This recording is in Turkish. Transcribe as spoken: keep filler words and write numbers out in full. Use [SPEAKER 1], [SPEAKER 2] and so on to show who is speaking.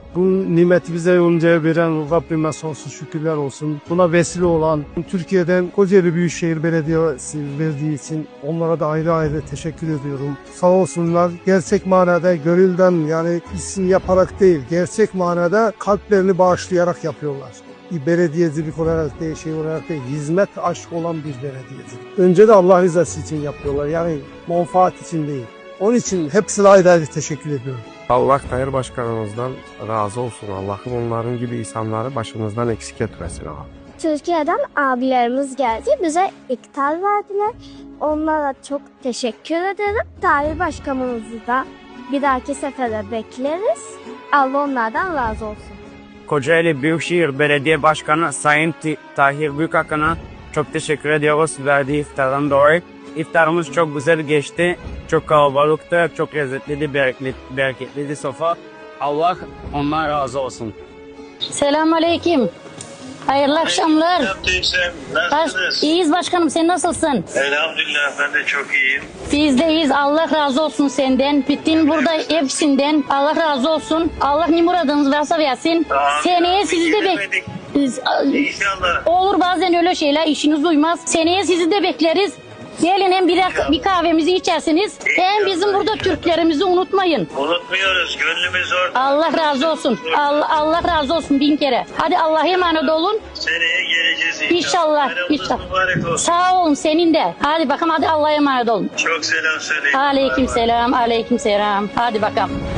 [SPEAKER 1] Bu nimeti bize yoncaya veren Rabbime sonsuz şükürler olsun. Buna vesile olan Türkiye'den Kocaeli Büyükşehir Belediyesi verdiği için onlara da ayrı ayrı teşekkür ediyorum. Sağ olsunlar. Gerçek manada gönülden, yani isim yaparak değil, gerçek manada kalplerini bağışlayarak yapıyorlar. Bir belediyecilik olarak değil, şey olarak değil, hizmet aşkı olan bir belediyecilik. Önce de Allah rızası için yapıyorlar, yani menfaat için değil. Onun için hepsine ayrı ayrı teşekkür ediyorum.
[SPEAKER 2] Allah Tayyip Başkanımızdan razı olsun. Allah'ım onların gibi insanları başımızdan eksik etmesin abi.
[SPEAKER 3] Türkiye'den abilerimiz geldi. Bize iftar verdiler. Onlara çok teşekkür ederim. Tayyip Başkanımızı da bir dahaki sefere bekleriz. Allah onlardan razı olsun.
[SPEAKER 4] Kocaeli Büyükşehir Belediye Başkanı Sayın Tahir Büyükakın'a çok teşekkür ediyoruz verdiği iftardan dolayı. İftarımız çok güzel geçti. Çok kalabalıktı, çok lezzetliydi, bereketli, bereketliydi sofra. Allah ondan razı olsun.
[SPEAKER 5] Selamünaleyküm. Hayırlı akşamlar.
[SPEAKER 6] Nasılsınız?
[SPEAKER 5] İyiyiz başkanım, sen nasılsın?
[SPEAKER 6] Elhamdülillah ben de çok iyiyim.
[SPEAKER 5] Biz de iyiyiz. Allah razı olsun senden. Bütün burada hepsinden. Allah razı olsun. Allah ne muradınız varsa versin.
[SPEAKER 6] Amin.
[SPEAKER 5] Seneye sizi de bek...
[SPEAKER 6] Gelemedik.
[SPEAKER 5] Biz-
[SPEAKER 6] İnşallah.
[SPEAKER 5] Olur bazen öyle şeyler, işiniz uymaz. Seneye sizi de bekleriz. Gelin hem bir, bir kahvemizi içersiniz. Hem bizim burada Türklerimizi unutmayın.
[SPEAKER 6] Unutmuyoruz. Gönlümüz orada.
[SPEAKER 5] Allah razı olsun. Allah, Allah razı olsun bin kere. Hadi Allah'a emanet olun.
[SPEAKER 6] Seneye geleceğiz inşallah.
[SPEAKER 5] İnşallah,
[SPEAKER 6] Bayramınız
[SPEAKER 5] inşallah.
[SPEAKER 6] mübarek olsun.
[SPEAKER 5] Sağ olun senin de. Hadi bakalım, hadi Allah'a emanet olun.
[SPEAKER 6] Çok selam söyleyin.
[SPEAKER 5] Aleyküm
[SPEAKER 6] Bay bay.
[SPEAKER 5] selam, aleyküm selam. Hadi bakalım.